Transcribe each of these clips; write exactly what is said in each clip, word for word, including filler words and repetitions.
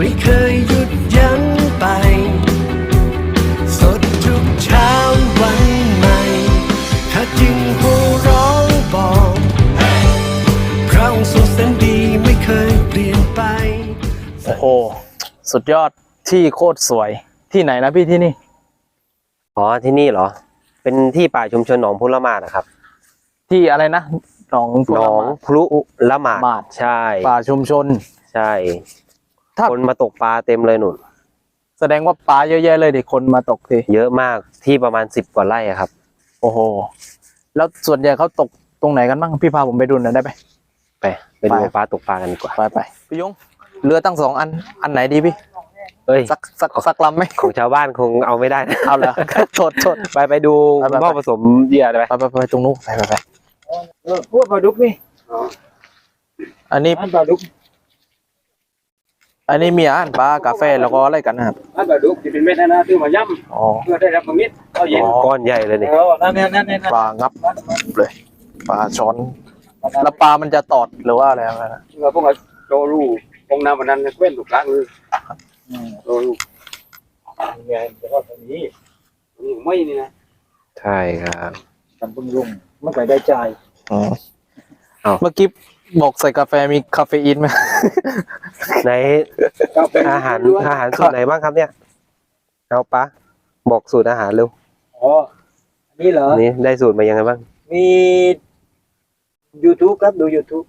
ไม่เคยหยุดยั้งไปสดทุกเช้าวันใหม่ถ้าจึงหัวร้องบอกพระองค์ทรงแสนดีไม่เคยเปลี่ยนไปโอ้โหสุดยอดที่โคตรสวยที่ไหนนะพี่ที่นี่อ๋อที่นี่เหรอเป็นที่ป่าชุมชนหนองพุละหมาดนะครับที่อะไรนะหนองหนองพลุละหมาดใช่ป่าชุมชนใช่คนมาตกปลาเต็มเลยหนุนแสดงว่าปลาเยอะแยะเลยดิคนมาตกทีเยอะมากที่ประมาณสิบกว่าไร่ครับโอ้โหแล้วส่วนใหญ่เขาตกตรงไหนกันบ้างพี่พาผมไปดูหน่อยได้ไหมไปไปดูปลาตกปลากันดีกว่าไปไปพี่ยงเรือตั้งสองอันอันไหนดีพี่เอ้ยสักสักสักลำไหมของชาวบ้านคงเอาไม่ได้เอาเหรอโทษโทษไปไปดูหม้อผสมเหยื่อไปไปไปไปตรงนู้นไปไปไปเออพูดปลาดุกนี่อันนี้ปลาดุกอันนี้มีอาหารปลากาแฟแล้วก็อะไรกันนะครับอันปลาดุกที่เป็นเม็ดนะนะซื้อมาย่ำเพื่อได้รับมิตรก็เย็นก้อนใหญ่เลยนี่นั่นนี่นั่นนี่ปลางับเลยปลาช้อนแล้วปลามันจะตอดหรือว่าอะไรนะเราพวกเราโตรูพงน้ำมันนั้นเว้นถูกล้างเลยโตรูไงแต่ว่าตรงนี้นี่ไม่นี่นะใช่ครับทำปรุงรุงไม่ไปได้ใจอ๋อเมื่อกี้บอกใส่กาแฟมีคาเฟอีนไหมในอาหารอาหารสูตรไหนบ้างครับเนี่ยเอาปะบอกสูตรอาหารเร็วอ๋อนี่เหรอนี่ได้สูตรมายังไงบ้างมี YouTube ครับดู YouTube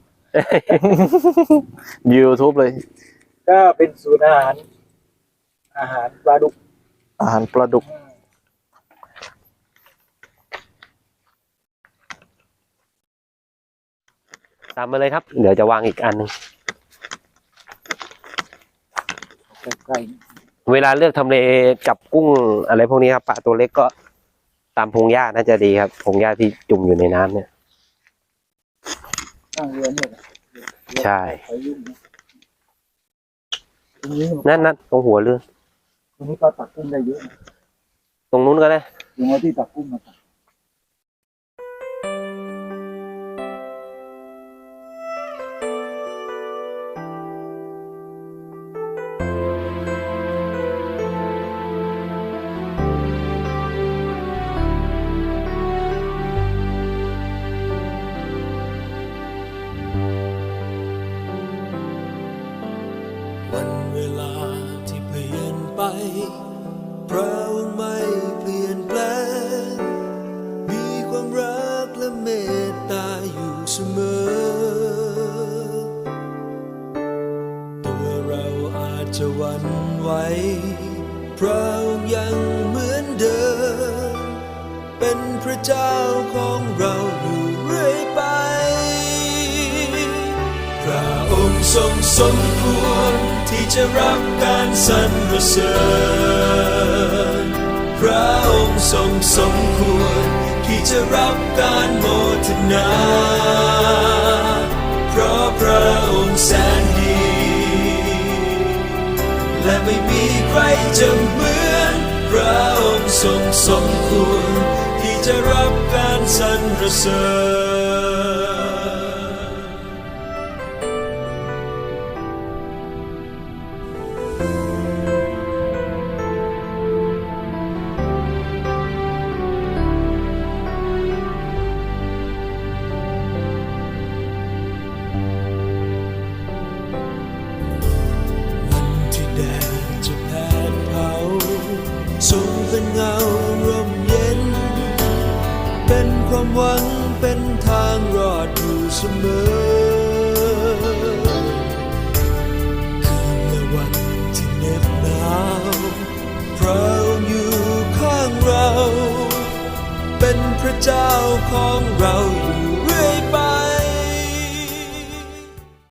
YouTube เลยก็เป็นสูตรอาหารอาหารปลาดุกอาหารปลาดุกตามมาเลยครับเดี๋ยวจะวางอีกอันนึงเวลาเลือกทำเลจับกุ้งอะไรพวกนี้ครับปลาตัวเล็กก็ตามพงหญ้าน่าจะดีครับพงหญ้าที่จุ่มอยู่ในน้ำเนี่ยใช่นั่นนั่นตรงหัวเรือตรงนี้ก็ตักกุ้งได้เยอะตรงนู้นก็ได้ตรงที่ตักกุ้งมาตักพระองค์ไม่เปลี่ยนแปลงมีความรักและเมตตาอยู่เสมอตัวเราอาจจะหวั่นไหวพระองค์ยังเหมือนเดิมเป็นพระเจ้าของเราอยู่เรื่อยไปพระองค์ทรงสมควรที่จะรับการสรรเสริญพระองค์ทรงสมควรที่จะรับการโมทนาเพราะพระองค์แสนดีและไม่มีใครจะเหมือนพระองค์ทรงสมควรที่จะรับการสรรเสริญทรงเป็นเงาร่มเย็นเป็นความหวังเป็นทางรอดอยู่เสมอคืนและวันที่เหน็บหนาวพระองค์อยู่ข้างเราเป็นพระเจ้าของเรา